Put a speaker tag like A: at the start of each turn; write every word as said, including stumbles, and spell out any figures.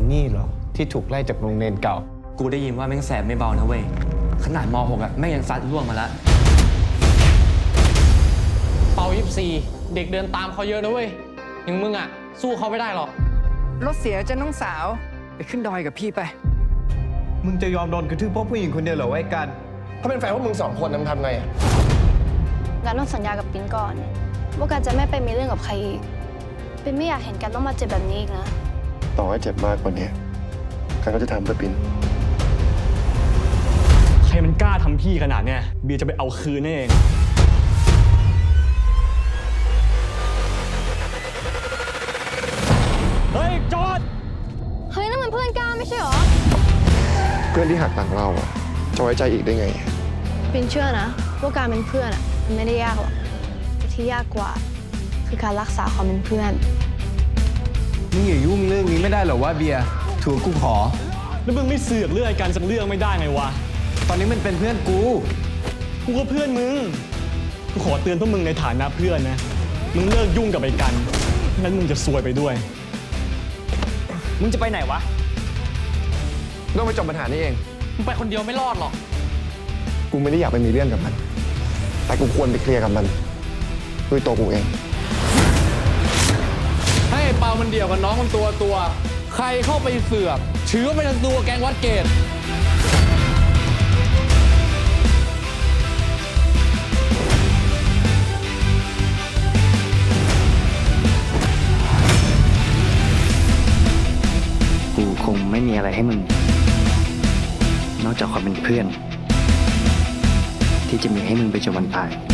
A: นี่เหรอที่ถูกไล่จากโรงเรียนเก่า
B: กูได้ยินว่าแม่งแสบไม่เบานะเว้ยขนาดม หก อ่ะแม่งยังซัดล่วงมาแล้ว
C: เป่ายี่สิบสี่เด็กเดินตามเขาเยอะนะเว้ยอย่างมึงอ่ะสู้เขาไม่ได้หรอก
D: รถเสียจะน้องสาวไปขึ้นดอยกับพี่ไป
A: มึงจะยอมโดนกระทืบเพราะผู้หญิงคนเดียวเหรอไอ้กัน
E: ถ้าเป็นแฟนพวกมึงสองคนทำไงอ่ะ
F: การต้องสัญญากับปิ้นก่อนว่าการจะไม่ไปมีเรื่องกับใครอีกปิ้นไม่อยากเห็นกันต้องมาเจ็บแบบนี้อีกนะ
E: ต่อให้เจ็บมากกว่านี้กันก็จะทำเพื่อปิน
G: ใครมันกล้าทำพี่ขนาดเนี้ยเบียร์จะไปเอาคืนนั่นเองเฮ้ยจอด
F: เฮ้ยนั่นมันเพื่อนก้าไม่ใช่หรอ
E: เพื่อนที่หักหลังเราอ่ะจะไว้ใจอีกได้ไง
F: ปิ้นเชื่อนะว่าการเป็นเพื่อนอ่ะมันไม่ได้ยากหรอกแต่ที่ยากกว่าคือการรักษาความเป็นเพื่อน
A: มึงอย่ายุ่งเรื่องนี้ไม่ได้หรอว่าเบียร์ถือกูขอ
G: แล้วมึงไม่เสือกเรื่องการสักเรื่องไม่ได้ไงวะ
A: ตอนนี้มันเป็นเพื่อนกู
G: กูก็เพื่อนมึงกูขอเตือนพวกมึงในฐานะเพื่อนนะมึงเลิกยุ่งกับไอ้กันงั้นมึงจะซวยไปด้วย
B: มึงจะไปไหนวะ
E: ต้องไปจบปัญหานี้เอง
C: มึงไปคนเดียวไม่รอดหรอก
E: กูไม่ได้อยากไปมีเรื่องกับมันแต่กูควรไปเคลียร์กับมันด้วยตัวกูเอง
C: ให้เปามันเดี่ยวกับน้องมันตัวตัวใครเข้าไปเสือกถือว่าเป็นตัวแกงวัดเกต
H: กูคงไม่มีอะไรให้มึงนอกจากความเป็นเพื่อนที่จะมีให้มึงไปจนวันตาย